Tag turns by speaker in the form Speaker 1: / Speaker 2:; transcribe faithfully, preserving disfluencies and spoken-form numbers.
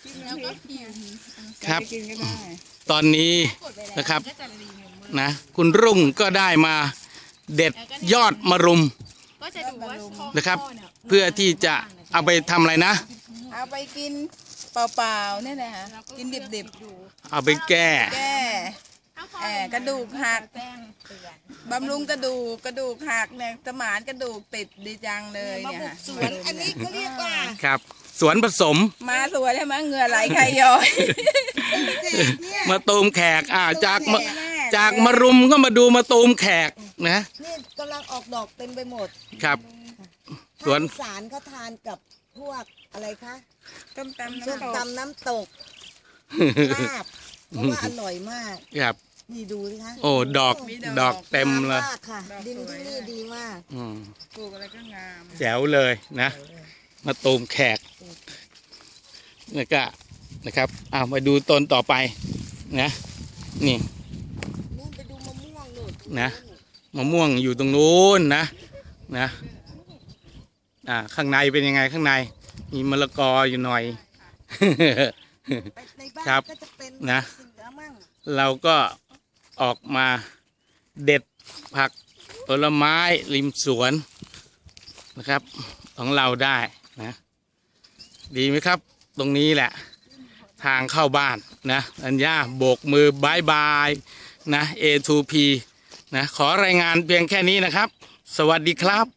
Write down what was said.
Speaker 1: แล้วก็กิน
Speaker 2: ครับ
Speaker 3: กินก็ได้
Speaker 2: ตอนนี้
Speaker 1: กดไปแล้ว
Speaker 2: นะครับ
Speaker 1: ก็จะรีวิวมือ
Speaker 2: นะคุณรุ่งก็ได้มาเด็ดยอดมะรุม
Speaker 1: ก็จะดูว่าช่อง
Speaker 2: นะครับ
Speaker 1: ข้เนี่ย
Speaker 2: เพื่อที่จะเอาไปทำอะไรนะ
Speaker 3: เอาไปกินเปล่าๆเนี่ยนะคะกินดิบ
Speaker 1: ดู
Speaker 2: เอาไปแก้
Speaker 3: ๆแก้
Speaker 1: ถ้าข้อ
Speaker 3: แอบกระดูกหัก
Speaker 1: แจ้งเตือน
Speaker 3: บำรุงกระดูกกระดูกหักเนี่ยสมานกระดูกติดดีจังเลยเนี่ยค่ะ
Speaker 4: สวนอันนี้เขาเรียกว่า
Speaker 2: ครับ สวนผสม
Speaker 3: มาสวยแล้วมั้งเหงื่อไหลใครย้อย
Speaker 4: เนี่ย
Speaker 2: มาตูมแขกอ่าจากมะจากมะรุมก็มาดูมาตูมแขกนะ
Speaker 4: นี่กำลังออกดอกเต็มไปหมด
Speaker 2: ครับ สวน
Speaker 4: ภาคอีสารเขาทานกับพวกอะไรคะ
Speaker 3: ต้มตำ
Speaker 4: ส้ม
Speaker 3: น้ำตก
Speaker 4: ตำน้ำตกลาบเพราะว่าอร่อยมาก
Speaker 2: ครับ
Speaker 4: นี่ดูสิคะ
Speaker 2: โอ้ดอกดอกเต็มเลย
Speaker 4: งามากค่ะ ดินที่นี่ดีมาก
Speaker 2: อืม
Speaker 3: ปลูกอะไรก็งาม
Speaker 2: แจ๋วเลยนะ มาตูมแขกแล้วก็นะครับเอามาดูต้นต่อไปนะนี่
Speaker 4: นู่นไปดูมะม่วงนู่น
Speaker 2: นะมะม่วงอยู่ตรงนู้นนะนะอ่าข้างในเป็นยังไงข้างใน มีมะละกออยู่หน่อย
Speaker 4: ไปในบ้าน
Speaker 2: ครับ
Speaker 4: ก็จะเป็น
Speaker 2: นะ
Speaker 4: เสือมั่ง
Speaker 2: เราก็ออกมาเด็ดผักผลไม้ริมสวนนะครับ ของเราได้นะ ดีไหมครับ ตรงนี้แหละ ทางเข้าบ้านนะอัญญาโบกมือบายบายนะ เอ ทู พี นะขอรายงานเพียงแค่นี้นะครับ สวัสดีครับ